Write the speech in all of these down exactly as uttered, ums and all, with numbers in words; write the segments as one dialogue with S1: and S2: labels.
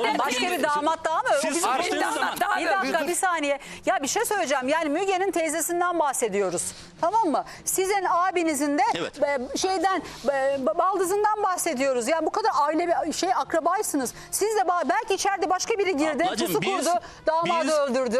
S1: Damat, başka bir damat daha mı? O
S2: Siz
S1: bizim
S2: açtığınız
S1: damat
S2: zaman-
S1: daha Bir dakika bir saniye. Ya bir şey söyleyeceğim. Yani Müge'nin teyzesinden bahsediyoruz. Tamam mı? Sizin abinizin de
S2: Evet.
S1: e, şeyden e, baldızından bahsediyoruz. Yani bu kadar aile bir şey akrabaysınız. Siz de ba- belki içeride başka biri girdi,
S2: Ablacığım,
S1: pusu
S2: biz-
S1: kurdu, damadı
S2: biz-
S1: öldürdü.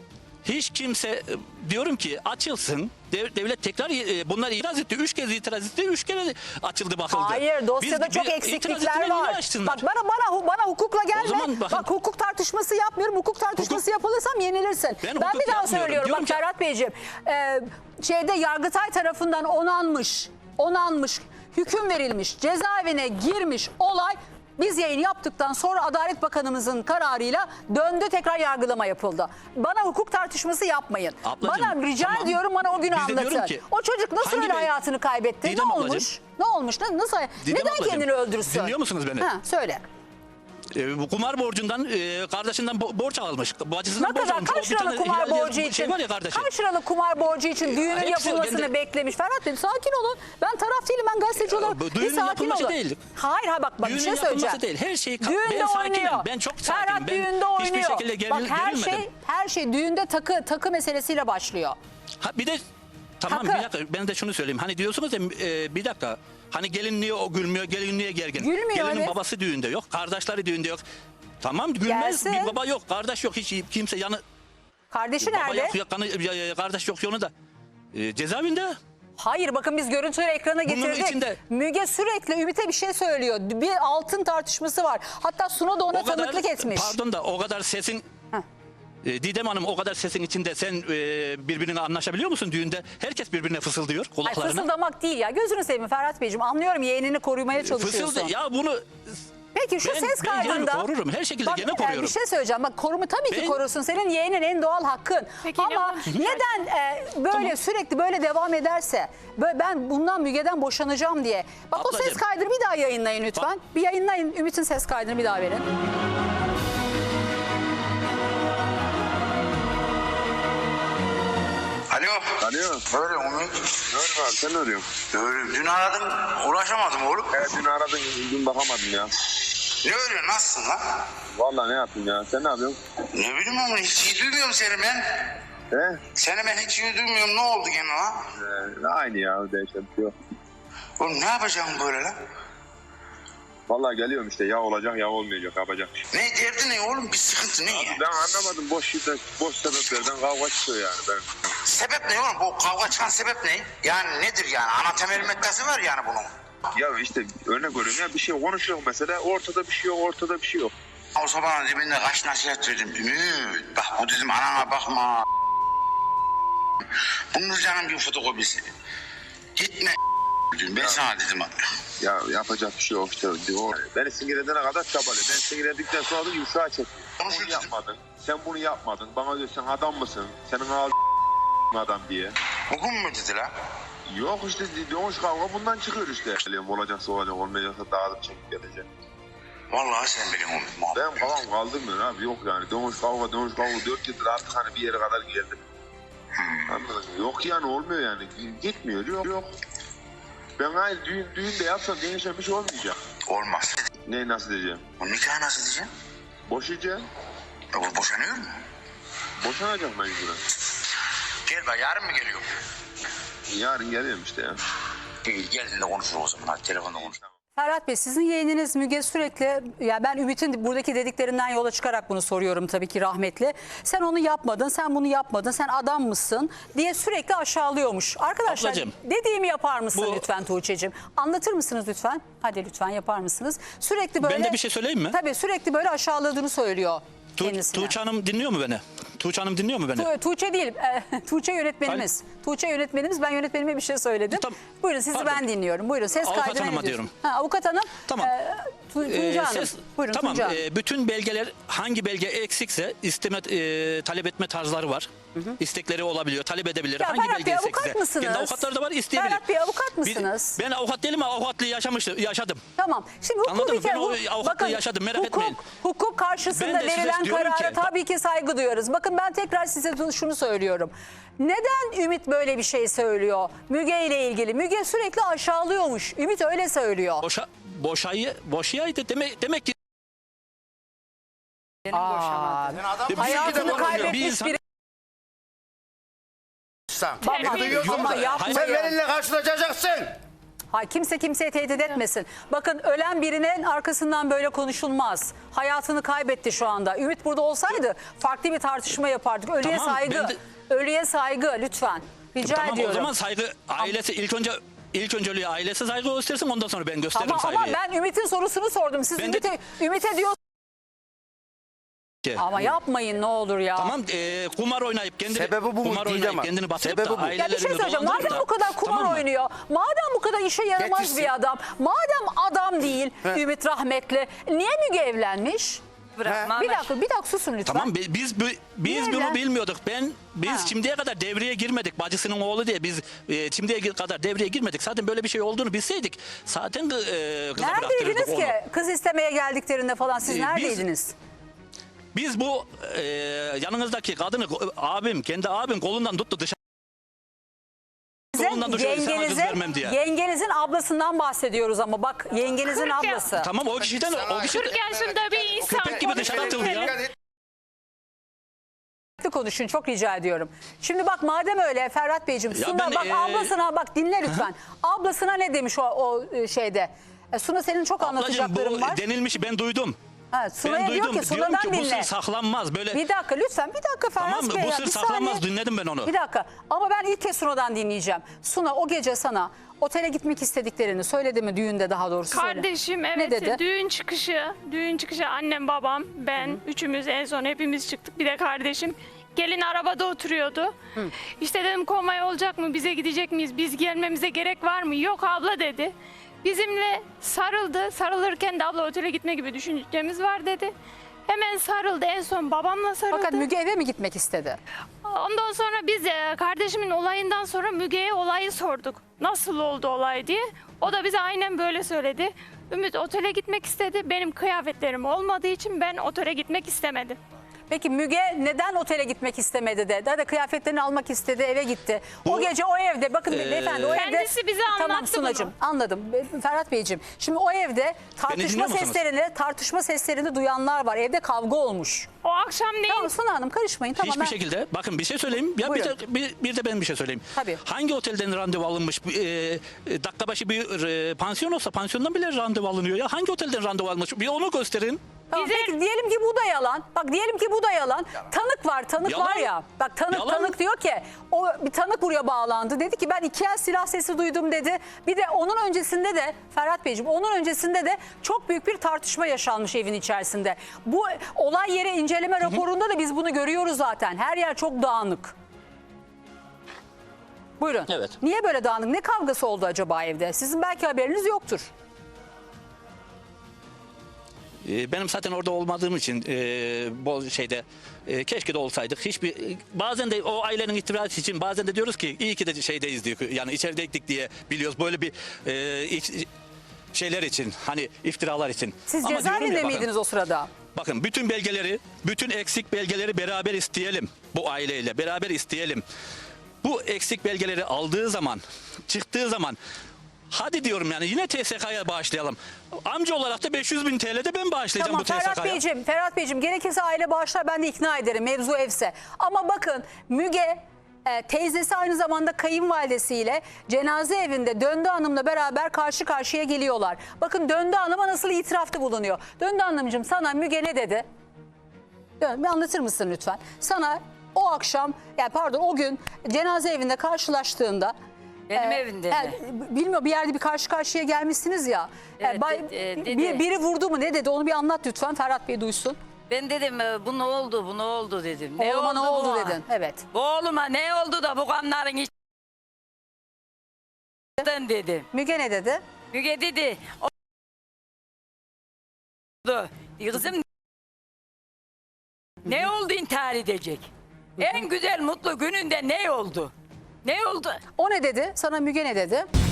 S2: Hiç kimse e, diyorum ki açılsın. Dev- Devlet tekrar e, bunlar itiraz etti. Üç kez itiraz etti. Üç kere açıldı bakıldı.
S1: Hayır, dosyada
S2: Biz-
S1: çok
S2: bir-
S1: eksiklikler
S2: itiraz ettiler, yine
S1: var.
S2: açsınlar.
S1: Bak bana bana bana hukukla gelme.
S2: O zaman bakın-
S1: Bak hukuk tartışması yapmıyorum. Hukuk tartışması
S2: Hukuk-
S1: yapılırsam yenilirsin.
S2: Ben
S1: Ben,
S2: hukuk
S1: bir daha
S2: yapmıyorum.
S1: söylüyorum.
S2: Diyorum
S1: Bak
S2: ki-
S1: Ferhat Beyciğim. e, şeyde Yargıtay tarafından onanmış, onanmış, hüküm verilmiş, cezaevine girmiş olay. Biz yayın yaptıktan sonra Adalet Bakanımızın kararıyla döndü, tekrar yargılama yapıldı. Bana hukuk tartışması yapmayın.
S2: Ablacığım,
S1: bana rica
S2: tamam.
S1: ediyorum, bana o günü
S2: Biz de diyorum
S1: anlatın.
S2: ki,
S1: O çocuk nasıl
S2: hangi
S1: öyle
S2: bey-
S1: hayatını kaybetti?
S2: Didem
S1: ne
S2: ablacığım.
S1: olmuş? Ne olmuş? Ne- Nasıl?
S2: Didem
S1: Neden
S2: ablacığım,
S1: kendini öldürsün?
S2: dinliyor musunuz beni?
S1: Ha, söyle.
S2: E, bu kumar borcundan e, kardeşinden bo- borç almış. Bacısından
S1: Ne
S2: borç
S1: kadar?
S2: almış.
S1: Kaç
S2: O bir
S1: liralık
S2: tane
S1: kumar
S2: Hilal diye
S1: borcu
S2: bir
S1: için?
S2: Şey var ya kardeşim.
S1: Kaç liralık kumar borcu için düğünün
S2: hepsi
S1: yapılmasını
S2: kendi-
S1: beklemiş? Ferhat Bey sakin olun. Ben taraf değilim, ben gazeteci
S2: Ya,
S1: olarak.
S2: bu
S1: Bir
S2: düğünün
S1: sakin
S2: yapılması
S1: olun.
S2: değil.
S1: Hayır hayır bak, bak bir
S2: Düğünün
S1: şey
S2: yapılması
S1: söyleyeceğim.
S2: değil. Her şey-
S1: düğünde
S2: ben sakinim,
S1: oynuyor.
S2: ben çok
S1: Ferhat
S2: sakinim. Ben
S1: düğünde
S2: hiçbir
S1: oynuyor.
S2: şekilde geril-
S1: Bak her
S2: gerilmedim.
S1: şey her şey düğünde takı takı meselesiyle başlıyor.
S2: Ha, bir de tamam
S1: Hakkı.
S2: bir dakika ben de şunu söyleyeyim. Hani diyorsunuz ya e, bir dakika. Hani gelin niye o gülmüyor, gelin niye gergin?
S1: Gülmüyor,
S2: Gelinin
S1: evet.
S2: babası düğünde yok, kardeşleri düğünde yok. Tamam gülmez,
S1: Gelsin.
S2: bir baba yok, kardeş yok, hiç kimse yanı...
S1: Kardeşi
S2: Baba
S1: nerede?
S2: yok, yok, kanı- ya- kardeş yok yonu da. E, cezaevinde.
S1: Hayır bakın biz görüntüleri ekrana getirdik.
S2: içinde-
S1: Müge sürekli Ümit'e bir şey söylüyor. Bir altın tartışması var. Hatta Suna da ona
S2: O kadar,
S1: tanıklık etmiş.
S2: pardon da o kadar sesin...
S1: Heh.
S2: E, Didem Hanım o kadar sesin içinde sen e, birbirine anlaşabiliyor musun düğünde? Herkes birbirine fısıldıyor
S1: Ay,
S2: kulaklarına.
S1: fısıldamak değil ya. Gözünü seveyim Ferhat Beyciğim. Anlıyorum, yeğenini korumaya çalışıyorsun.
S2: Fısıldı. Ya bunu
S1: Peki şu
S2: Ben-
S1: ses
S2: ben yeğenimi
S1: kaydında...
S2: korurum. Her şekilde
S1: Bak,
S2: gene
S1: e,
S2: koruyorum.
S1: Bir şey söyleyeceğim. Bak korumu tabii ki
S2: Ben-
S1: korursun. Senin yeğenin en doğal hakkın.
S3: Peki,
S1: Ama
S3: ne-
S1: neden e, böyle
S2: Tamam.
S1: sürekli böyle devam ederse... Böyle ben bundan Müge'den boşanacağım diye. Bak o ses
S2: Ablacığım.
S1: kaydını bir daha yayınlayın lütfen. Bir yayınlayın. Ümit'in ses kaydını bir daha verin.
S4: Alo.
S5: Alo.
S4: Ne arıyorsun Umut?
S5: Ne arıyorsun abi, sen ne arıyorsun?
S4: Öyle, dün aradım ulaşamadım oğlum.
S5: Evet, dün aradın, dün bakamadım ya.
S4: Ne öyle, nasılsın lan?
S5: Vallahi ne yapayım ya, sen ne yapıyorsun?
S4: Ne bileyim ama hiç iyi duymuyorum seni ben.
S5: He?
S4: Seni ben hiç iyi duymuyorum, ne oldu gene lan?
S5: Ee, aynı ya, değişen bir şey yok.
S4: Oğlum ne yapacağım böyle lan?
S5: Vallahi geliyorum işte, ya olacak ya olmayacak, yapacak bir şey.
S4: Ne derdi ne oğlum, bir sıkıntı ne ya?
S5: Ben anlamadım, boş şiddet, boş sebeplerden kavga çıkıyor yani. Ben...
S4: Sebep ne oğlum, bu kavga çıkan sebep ne? Yani nedir yani, ana temel maddesi var yani bunun.
S5: Ya işte örnek veriyorum ya, bir şey konuşuyor mesela, ortada bir şey yok, ortada bir şey yok.
S4: O sabahın dibinde kaç nasihat verdim. Ümit bak bu dedim, anana bakma. Bunun canın bir fotokopisi. Gitme dedim, ben sana dedim abi.
S5: Ya yapacak bir şey yok işte. O, beni sinir edene kadar çabalı. Ben sinir edildikten sonra da yumuşağa çekiyor.
S4: Konuşur
S5: Bunu
S4: dedim.
S5: yapmadın, sen bunu yapmadın. Bana diyor sen adam mısın, senin ağzın adam diye.
S4: Bugün mü dedi lan?
S5: Yok işte dönüş kavga bundan çıkıyor işte. Geliyorum, olacaksa olacak, olmayacaksa dağılıp çekip gelecek.
S4: Vallahi sen benim Umut muhabbet.
S5: Ben kafam kaldırmıyor abi, yok yani. Dönüş kavga, dönüş kavga, dört yıldır artık hani bir yere kadar geldim. Anladın mı? Yok yani, olmuyor yani. Gitmiyor, yok yok. Ben hayır düğün, düğün de yapsam değişen bir şey olmayacak.
S4: Olmaz.
S5: Ne nasıl diyeceğim?
S4: Bu nikah nasıl diyeceğim?
S5: Boşayacağım.
S4: E bu boşanıyor mu?
S5: Boşanacak mecburen.
S4: Gel bak, yarın mı geliyor?
S5: Yarın geliyorum işte ya.
S4: İyi, geldiğinde konuşuruz o zaman. Hadi telefonda konuş.
S1: Ferhat Bey, sizin yeğeniniz Müge sürekli, ya ben Ümit'in buradaki dediklerinden yola çıkarak bunu soruyorum tabii ki rahmetli. Sen onu yapmadın, sen bunu yapmadın, sen adam mısın diye sürekli aşağılıyormuş. Arkadaşlar
S2: Ablacığım,
S1: dediğimi yapar mısın
S2: bu-
S1: lütfen Tuğçe'cim? Anlatır mısınız lütfen? Hadi lütfen yapar mısınız? Sürekli böyle.
S2: Ben de bir şey söyleyeyim mi?
S1: Tabii sürekli böyle aşağıladığını söylüyor
S2: Tu
S1: kendisine.
S2: Tuğçe Hanım dinliyor mu beni? Tuğçe Hanım dinliyor mu beni?
S1: Tu- Tuğçe değil, e, Tuğçe yönetmenimiz. Tuğçe yönetmenimiz, ben yönetmenime bir şey söyledim.
S2: Tamam.
S1: Buyurun, sizi
S2: Pardon.
S1: ben dinliyorum. Buyurun, ses
S2: Avukat
S1: kaydına ne
S2: hanıma
S1: diyorsun?
S2: diyorum.
S1: Ha, avukat hanım.
S2: Tamam.
S1: E, Tu- Tuğçe
S2: Ee,
S1: Hanım.
S2: ses-
S1: Buyurun
S2: tamam.
S1: Tuğçe Hanım.
S2: e, bütün belgeler, hangi belge eksikse isteme e, talep etme tarzları var. İstekleri olabiliyor, talep edebilir.
S1: Ya
S2: hangi
S1: Ferhat
S2: belge
S1: Bey,
S2: eksikse.
S1: avukat mısınız?
S2: Kendi avukatları da var, isteyebilir.
S1: Ferhat Bey, avukat
S2: Bir-
S1: mısınız?
S2: ben avukat değilim ama avukatlığı yaşamıştım, yaşadım.
S1: Tamam. Şimdi hukuk
S2: Anladın
S1: bir
S2: mı?
S1: kere,
S2: Ben o
S1: hu-
S2: avukatlığı yaşadım, merak
S1: hukuk,
S2: etmeyin.
S1: Hukuk karşısında
S2: Ben de size
S1: verilen
S2: diyorum
S1: karara
S2: ki-
S1: tabii ki saygı duyuyoruz. Bakın ben tekrar size şunu söylüyorum. Neden Ümit böyle bir şey söylüyor Müge ile ilgili? Müge sürekli aşağılıyormuş. Ümit öyle söylüyor.
S2: Boşa, boşayı, boşayaydı demek, demek ki
S3: Benim boşamadım.
S6: Sen adam
S1: Hayatını
S2: Bir
S1: kaybetmiş
S2: insan-
S1: biri.
S6: sen.
S1: Baba,
S6: Duyuyorsun
S1: ama
S6: mu?
S1: yapmayın.
S6: Sen benimle karşılaşacaksın.
S1: Hayır, kimse kimseye tehdit etmesin. Bakın ölen birinin arkasından böyle konuşulmaz. Hayatını kaybetti şu anda. Ümit burada olsaydı farklı bir tartışma yapardık. Ölüye
S2: Tamam,
S1: saygı.
S2: ben de-
S1: Ölüye saygı lütfen. Rica
S2: Tamam
S1: ediyorum.
S2: o zaman saygı ailesi ilk önce ilk önceliği ailesi saygı göstersin ondan sonra ben gösteririm
S1: ama, ama
S2: saygıyı.
S1: ben Ümit'in sorusunu sordum. Siz
S2: Ben de-
S1: Ümit'e Ümit'e diyor.
S2: Ki-
S1: Ama yapmayın ne olur ya.
S2: Tamam e, kumar oynayıp kendini
S6: Sebebi bu mu?
S2: kumar
S6: Değil
S2: oynayıp
S6: ama.
S2: kendini batırıp
S6: Sebebi
S2: da
S6: bu.
S1: Ya bir şey
S2: ailelerini
S1: söyleyeceğim.
S2: dolandırıp
S1: Madem
S2: da-
S1: bu kadar kumar
S2: tamam mı?
S1: oynuyor, madem bu kadar işe yaramaz
S6: Getirsin.
S1: bir adam, madem adam değil Ümit rahmetli, niye Müge evlenmiş?
S3: Bırakmam.
S1: Bir dakika, bir dakika susun lütfen.
S2: Tamam bi- biz bu- biz
S1: Niye
S2: bunu
S1: evlen-
S2: bilmiyorduk. Ben biz
S1: Ha.
S2: şimdiye kadar devreye girmedik. Bacısının oğlu diye biz e, şimdiye kadar devreye girmedik. Zaten böyle bir şey olduğunu bilseydik zaten e, kıza bıraktırırdık
S1: Neredeydiniz
S2: onu.
S1: ki? Kız istemeye geldiklerinde falan siz
S2: Ee, biz-
S1: neredeydiniz?
S2: Biz bu e, yanınızdaki kadını abim kendi abim kolundan tuttu dışarı.
S1: Size
S2: kolundan dışarı sana kız
S1: yengenizin,
S2: vermem diye.
S1: yengenizin ablasından bahsediyoruz ama bak yengenizin
S7: Kırk ya-
S1: ablası.
S2: Tamam o kişiden o kişi
S7: kırk yaşında bir insan
S2: köpek gibi dışarı atıldı ya.
S1: Konuşun çok rica ediyorum. Şimdi bak madem öyle Ferhat Beyciğim
S2: Ya
S1: Suna
S2: ben,
S1: bak
S2: ee,
S1: ablasına bak dinle lütfen. Ablasına ne demiş o, o e, şeyde? E, Suna senin çok
S2: Ablacığım
S1: anlatacakların
S2: bu
S1: var.
S2: denilmişi ben duydum.
S1: Ha, Suna'ya
S2: Ben
S1: diyor
S2: duydum.
S1: ki
S2: Diyorum
S1: Suna'dan
S2: ki bu
S1: dinle.
S2: sır saklanmaz. Böyle
S1: Bir dakika lütfen bir dakika Ferhat
S2: tamam mı?
S1: Bey
S2: Bu
S1: ya,
S2: sır
S1: bir
S2: saklanmaz.
S1: saniye.
S2: Dinledim ben onu.
S1: Bir dakika ama ben ilk kez Suna'dan dinleyeceğim. Suna o gece sana otele gitmek istediklerini söyledi mi düğünde daha doğrusu söyle.
S7: kardeşim evet
S1: Ne dedi?
S7: düğün çıkışı düğün çıkışı annem babam ben üçümüz en son hepimiz çıktık bir de kardeşim gelin arabada oturuyordu. İşte dedim komay olacak mı bize gidecek miyiz biz gelmemize gerek var mı yok abla dedi. Bizimle sarıldı sarılırken de abla otele gitme gibi düşüncemiz var dedi. Hemen sarıldı en son babamla sarıldı.
S1: Fakat Müge eve mi gitmek istedi?
S7: Ondan sonra biz e, kardeşimin olayından sonra Müge'ye olayı sorduk. Nasıl oldu olay diye. O da bize aynen böyle söyledi. Ümit otele gitmek istedi. Benim kıyafetlerim olmadığı için ben otele gitmek istemedim.
S1: Peki Müge neden otele gitmek istemedi de? Daha da kıyafetlerini almak istedi eve gitti. o
S2: Bu-
S1: gece o evde bakın
S2: Ee,
S1: beyefendi o evde.
S7: Kendisi bize
S1: Tamam
S7: anlattı
S1: Sunacığım
S7: bunu.
S1: anladım. Ferhat Beyciğim şimdi o evde tartışma
S2: dinliyor musunuz?
S1: seslerini tartışma seslerini duyanlar var. Evde kavga olmuş.
S7: O akşam neyin?
S1: Tamam Suna Hanım karışmayın. Tamam,
S2: Hiçbir
S1: ben-
S2: şekilde bakın bir şey söyleyeyim. Ya bir
S1: Buyurun.
S2: de, bir, bir de ben bir şey söyleyeyim.
S1: Tabii.
S2: Hangi otelden randevu alınmış? E, e, dakika başı bir e, pansiyon olsa pansiyondan bile randevu alınıyor ya. Hangi otelden randevu almış? Bir onu gösterin.
S1: Tamam,
S7: Bize-
S1: peki diyelim ki bu da yalan. Bak diyelim ki bu da yalan. Tanık var, tanık
S2: Yalan.
S1: var ya. Bak tanık
S2: Yalan.
S1: tanık diyor ki o bir tanık buraya bağlandı. Dedi ki ben iki el silah sesi duydum dedi. Bir de onun öncesinde de Ferhat Beyciğim onun öncesinde de çok büyük bir tartışma yaşanmış evin içerisinde. Bu olay yeri inceleme raporunda da biz bunu görüyoruz zaten. Her yer çok dağınık. Buyurun.
S2: Evet.
S1: Niye böyle dağınık? Ne kavgası oldu acaba evde? Sizin belki haberiniz yoktur.
S2: E, benim zaten orada olmadığım için e, bu şeyde e, keşke de olsaydık. Hiçbir bazen de o ailenin iftirası için bazen de diyoruz ki iyi ki de şeydeyiz diyor. Yani içerideydik diye biliyoruz böyle bir e, iç- şeyler için hani iftiralar için.
S1: Siz
S2: Ama diyorum
S1: cezaevinde
S2: ya, bakın,
S1: miydiniz o sırada?
S2: Bakın bütün belgeleri, bütün eksik belgeleri beraber isteyelim bu aileyle. Beraber isteyelim. Bu eksik belgeleri aldığı zaman, çıktığı zaman hadi diyorum yani yine T S K'ya bağışlayalım. Amca olarak da beş yüz bin T L'de ben bağışlayacağım
S1: Tamam
S2: bu T S
S1: Ferhat
S2: K'ya.
S1: Beyciğim, Ferhat Beyciğim gerekirse aile bağışlar ben de ikna ederim mevzu evse. Ama bakın Müge e, teyzesi aynı zamanda kayınvalidesiyle cenaze evinde Döndü Hanım'la beraber karşı karşıya geliyorlar. Bakın Döndü Hanım'a nasıl itirafta bulunuyor. Döndü Hanımcığım sana Müge ne dedi? Dön, bir anlatır mısın lütfen? Sana o akşam yani pardon o gün cenaze evinde karşılaştığında
S3: Benim
S1: e,
S3: evimde
S1: e,
S3: mi?
S1: bilmiyorum bir yerde bir karşı karşıya gelmişsiniz ya. E,
S3: Evet,
S1: bay-
S3: de- e, dedi.
S1: bir, biri vurdu mu ne dedi onu bir anlat lütfen Ferhat Bey duysun.
S3: Ben dedim e, bu ne oldu bu ne oldu dedim.
S1: Oğluma ne oldu
S3: buna?
S1: dedin. Evet.
S3: Bu oğluma ne oldu da bu kanların içinden dedim.
S1: Müge ne dedi?
S3: Müge dedi. Oldu. Kızım ne oldu intihar edecek? En güzel mutlu gününde ne oldu? Ne oldu?
S1: O ne dedi? Sana Müge ne dedi?